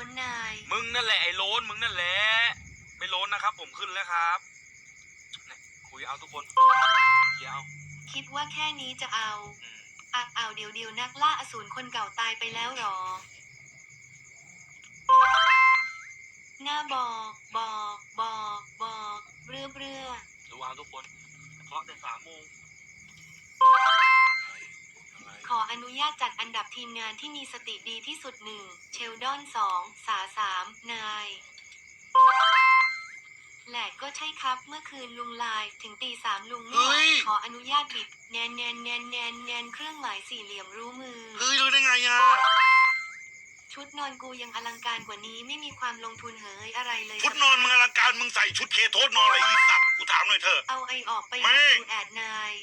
นนายมึงนั่นแหละไอ้โลนมึงนั่นแหละไม่โลนนะครับผมขึ้นแล้วครับเนี่ยคุยเอาทุกคนเดี๋ยวเอาคิดว่าแค่นี้จะเอาเอาเดี๋ยวนักล่าอสูรคนเก่าตายไปแล้วหรอหน้าบอกเรื่อดูเอาทุกคนเพราะแต่3 โมงขออนุญาตจัดอันดับทีมงานที่มีสติดีที่สุด1เชลดอน2สา3นายแหละก็ใช่ครับเมื่อคืนลุงไลน์ถึงตี 3ลุงไม่ไหวขออนุญาตบิดแนนเครื่องหมายสี่เหลี่ยมรู้มือรู้ได้ไงอ่ะชุดนอนกูยังอลังการกว่านี้ไม่มีความลงทุนเฮ้ยอะไรเลยชุดนอนมึงอลังการมึงใส่ชุดเคโทษนอนอะไรอีสัตว์กูถามหน่อยเถอะเอาไอออกไปดูแอดนาย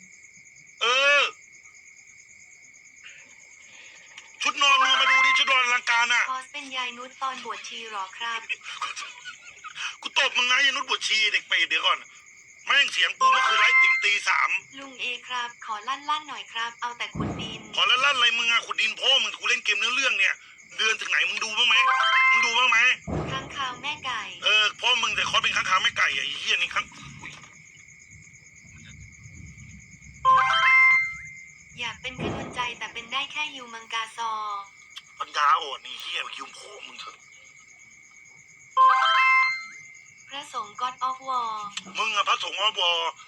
ชุดนอนมึงมาดูดิชุดนอนอลังการอ่ะคอสเป็นยายนุชตอนบวชชีหรอครับกูตบมึงนะยายนุชบวชชีเด็กเปรตเดี๋ยวก่อนแม่งเสียงกูเมื่อคืนไลฟ์ถึงตี 3 ลุงเอครับขอลั่นหน่อยครับเอาแต่ขุดดินขอลั่นอะไรมึงอะขุดดินพ่อมึงกูเล่นเกมเนื้อเรื่องเนี่ยเดือนถึงไหนมึงดูบ้างไหมค้างคาวแม่ไก่พ่อมึงแต่คอสเป็นค้างคาวแม่ไก่ไอ้เหี้ยนี่ค้างอยากเป็นกำลังใจแต่เป็นได้แค่ยูมังกาซอปัญญาอ่อนนี่เหี้ยยืมพ่อมึงเถอะพระสงฆ์ God of War มึงอะพระสงฆ์อบ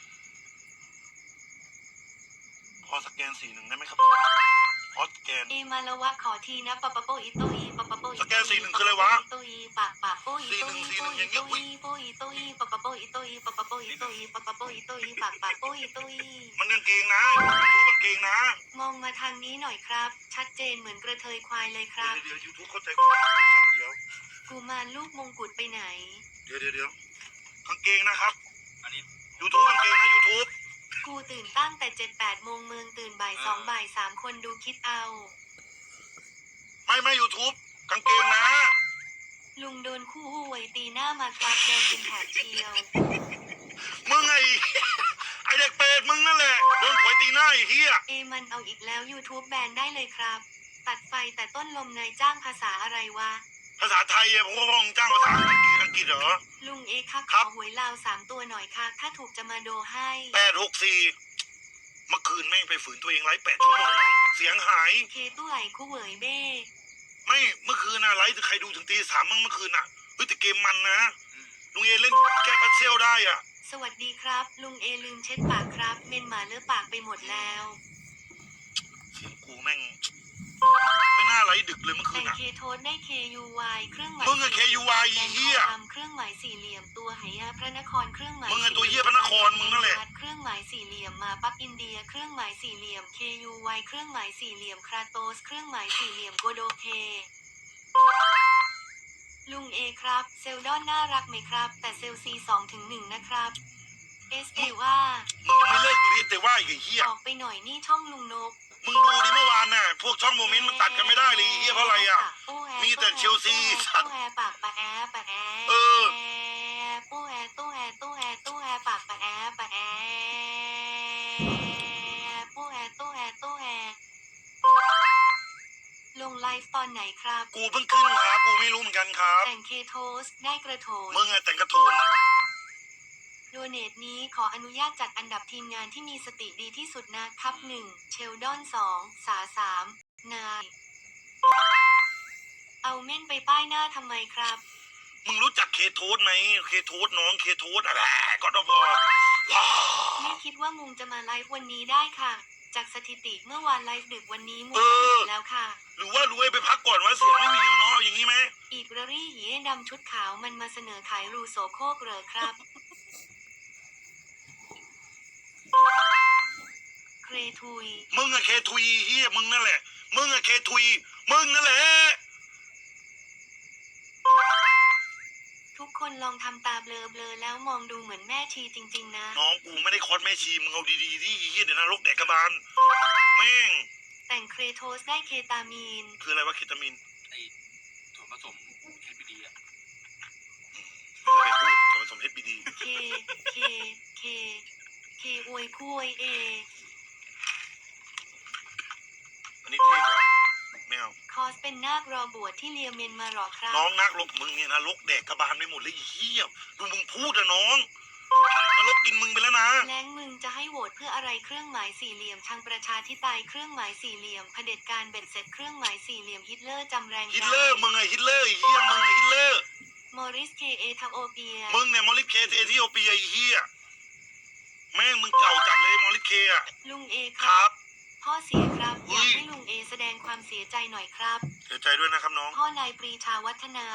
พอสแกน41ได้ไหมครับพอสแกนมาละวะขอทีนะปะโปอีโตอีปะโปอีสแกน41คืออะไรวะโตอีปากโปอีโตอีโปอีโตอีโปอีโตอีปะโปอีโตอีปะโปอีโตอีปะโปอีโตอีปากโปอีโตอีมันกางเกงนะยูทูบกางเกงนะมองมาทางนี้หน่อยครับชัดเจนเหมือนกระเทยควายเลยครับเดี๋ยวยูทูบเข้าใจกูสับเดียวกูมารลูกมงกุฎไปไหนเดี๋ยวกางเกงนะครับอันนี้ยูทูบกางเกงนะยูทูบกูตื่นตั้งแต่7-8 โมงเมืองตื่นบ่าย 2บ่าย 3คนดูคิดเอาไม่ยูทูบกางเกงนะลุงโดนคู่หู้ไวตีหน้ามาครับแดงเป็นแถบเชียวมึงไอเด็กเป็ดมึงนั่นแหละโดนหวยตีหน้าไอ้เหี้ยมันเอาอีกแล้ว YouTube แบนได้เลยครับตัดไฟแต่ต้นลมนายจ้างภาษาอะไรวะภาษาไทยผมก็พองจ้างภาษาอังกฤษเหรอลุงค่ะขอหวยลาว3 ตัวหน่อยค่ะถ้าถูกจะมาโดให้ 864เมื่อคืนแม่งไปฝืนตัวเองไลฟ์8 ชั่วโมงน้องเสียงหายเคตู้ไหลคู่เหวยเบ้ไม่เมื่อคืนนะไลฟ์ใครดูถึงตี 3มั้งเมื่อคืนน่ะแต่เกมมันนะลุงเล่นแก้พัซเซิลได้อ่ะสวัสดีครับลุงลืมเช็ดปากครับเมนหมาเลอะปากไปหมดแล้วเสียงกูแม่งไม่น่าไลฟ์ดึกเลยเมื่อคืนน่ะแต่เคโทสได้ KUY เครื่องหมายมึงอะ KUY เหี้ยเครื่องหมายสี่เหลี่ยมตัวไหพระนครเครื่องหมายมึงอะตัวเหี้ยพระนครมึงนั่นแหละเครื่องหมายสี่เหลี่ยมมาปักอินเดียเครื่องหมายสี่เหลี่ยม KUY เครื่องหมายสี่เหลี่ยมคราโตสเครื่องหมายสี่เหลี่ยมโกโดเคลุงครับเซลดอนน่ารักไหมครับแต่เซลซี2-1นะครับว่ามึงยังไม่เลิกอยู่ดิแต่ว่าไอ้เหี้ยออกไปหน่อยนี่ช่องลุงนกมึงดูดิเมื่อวานน่ะพวกช่องโมเมนต์มันตัดกันไม่ได้เลยเฮียเพราะอะไรอ่ะมีแต่เชลซีสัตว์ปากปะแอปะแอตู้แอตู้แอตู้แอตู้แอปากปะแอปะแอตู้แอตู้แอตู้แอลงไลฟ์ตอนไหนครับกูเพิ่งขึ้นครับกูไม่รู้เหมือนกันครับแต่งเคโทสได้กระโถนมึงอะแต่งกระโถนโดเนทนี้ขออนุญาตจัดอันดับทีมงานที่มีสติดีที่สุดนะครับ1เชลดอน2สา3นายเอาเม่นไปป้ายหน้าทำไมครับมึงรู้จักเคโทสไหมเคโทสน้องเคโทสอะไรก็ต้องไม่คิดว่ามุงจะมาไลฟ์วันนี้ได้ค่ะจากสถิติเมื่อวานไลฟ์ดึกวันนี้มุงแล้วค่ะหรือว่ารู้ไปพักก่อนว่าเสียงไม่มีแล้วเนาะอย่างนี้ไหมอีกรี่หีดำชุดขาวมันมาเสนอขายรูโซโคกเหรอครับเคทุยมึงอะเคทุยเฮียมึงนั่นแหละมึงอะเคทุยมึงนั่นแหละทุกคนลองทำตาเบลอแล้วมองดูเหมือนแม่ชีจริงๆนะน้องกูไม่ได้คอสแม่ชีมึงเอาดีๆที่เฮียเดี๋ยวนรกแดกกระบาลแม่งแต่งเคโทสได้เคตามีนคืออะไรวะเคตามีนไอ้ส่วนผสมHBDอ่ะไปพูดส่วนผสม HBD เคอวยคุยอันนี้เท่กว่าไม่เอาคอสเป็นเป็นนาครอบวชที่เลียเมนมาหรอครับน้องนักลกมึงเนี่ยนะลกแดกกระบาลไปหมดเลยไอ้เหี้ยดูมึงพูดอะน้องนรกกินมึงไปแล้วนะแล้งมึงจะให้โหวตเพื่ออะไรเครื่องหมายสี่เหลี่ยมทางประชาธิปไตยเครื่องหมายสี่เหลี่ยมเผด็จการเบ็ดเสร็จเครื่องหมายสี่เหลี่ยมฮิตเลอร์จำแรงฮิตเลอร์มึงไงฮิตเลอร์ไอ้เหี้ยมึงไงฮิตเลอร์มอริสเคเอทาโอเปียมึงเนี่ยมอริสเคเอธิโอเปียไอ้เหี้ยแม่งมึงเก่าจัดเลยมอริสเคอะลุงเอคครัรับพ่อเสียครับอุ๊อย ยากให้ลุงเอแสดงความเสียใจหน่อยครับเสียใจด้วยนะครับน้องพ่อนายปรีชาวัฒนา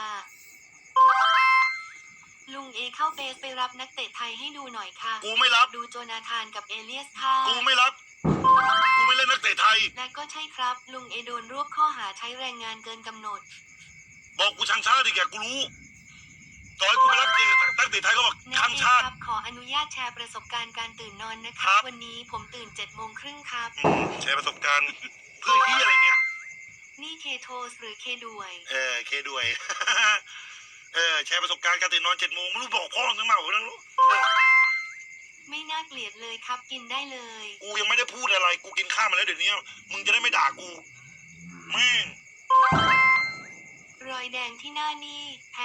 ลุงเอเข้าเบสไปรับนักเตะไทยให้ดูหน่อยค่ะกูไม่รับดูโจนาธานกับเอเลียสค่ะกูไม่รับกูไม่เล่นนักเตะไทยและก็ใช่ครับ ลุงเอโดนรวบข้อหาใช้แรงงานเกินกำหนดบอกกูช่างชาติดิแกกูรู้ต่อให้กูไม่รับเตะนักเตะไทยก็บอกนะช่างเอชาติครับขออนุญาตแชร์ประสบการณ์การตื่นนอนนะคครัรับบวันนี้ผมตื่น7:30ครับแชร์ประสบการณ์เพื่อที่อะไรเนี่ยนี่เคโทสหรือเคด้วยเคด้วย แชร์ประสบการณ์การตื่นนอน7 โมงไม่รู้บอกพ่อทั้งมาไม่รู้ไม่น่าเกลียดเลยครับกินได้เลยกูยังไม่ได้พูดอะไรกูกินข้าวมาแล้วเดี๋ยวนี้มึงจะได้ไม่ด่ากูแม่งรอยแดงที่หน้านี่